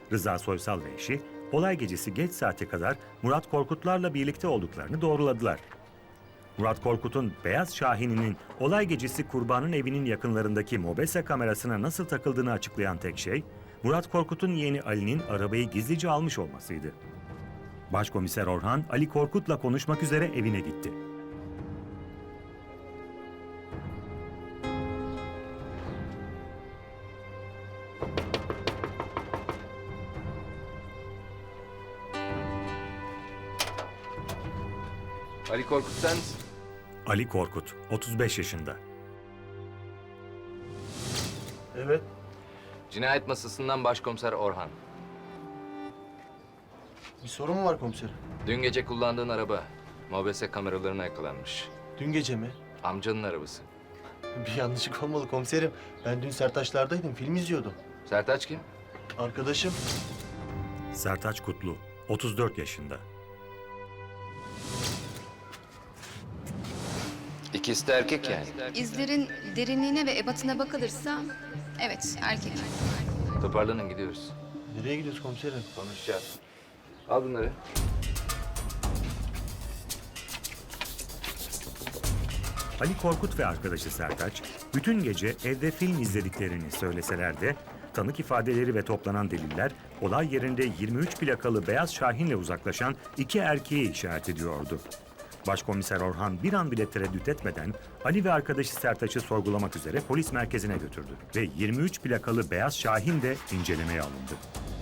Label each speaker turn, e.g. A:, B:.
A: Rıza Soysal ve eşi, olay gecesi geç saate kadar Murat Korkutlarla birlikte olduklarını doğruladılar. Murat Korkut'un Beyaz Şahin'inin olay gecesi kurbanın evinin yakınlarındaki mobese kamerasına nasıl takıldığını açıklayan tek şey, Murat Korkut'un yeğeni Ali'nin arabayı gizlice almış olmasıydı. Başkomiser Orhan, Ali Korkut'la konuşmak üzere evine gitti.
B: Ali Korkut sen misin?
A: Ali Korkut, 35 yaşında.
C: Evet.
B: Cinayet masasından başkomiser Orhan.
C: Bir sorun mu var komiserim?
B: Dün gece kullandığın araba mobese kameralarına yakalanmış.
C: Dün gece mi?
B: Amcanın arabası.
C: Bir yanlışlık olmalı komiserim. Ben dün Sertaçlar'daydım, film izliyordum.
B: Sertaç kim?
C: Arkadaşım.
A: Sertaç Kutlu, 34 yaşında.
B: İkisi de erkek yani.
D: İzlerin derinliğine ve ebatına bakılırsa evet erkek.
B: Toparlanın gidiyoruz.
C: Nereye gidiyoruz komiserim?
B: Konuşacağız. Al bunları.
A: Ali Korkut ve arkadaşı Sertaç, bütün gece evde film izlediklerini söyleseler de, tanık ifadeleri ve toplanan deliller, olay yerinde 23 plakalı Beyaz Şahin'le uzaklaşan iki erkeği işaret ediyordu. Başkomiser Orhan bir an bile tereddüt etmeden Ali ve arkadaşı Sertaç'ı sorgulamak üzere polis merkezine götürdü ve 23 plakalı Beyaz Şahin de incelemeye alındı.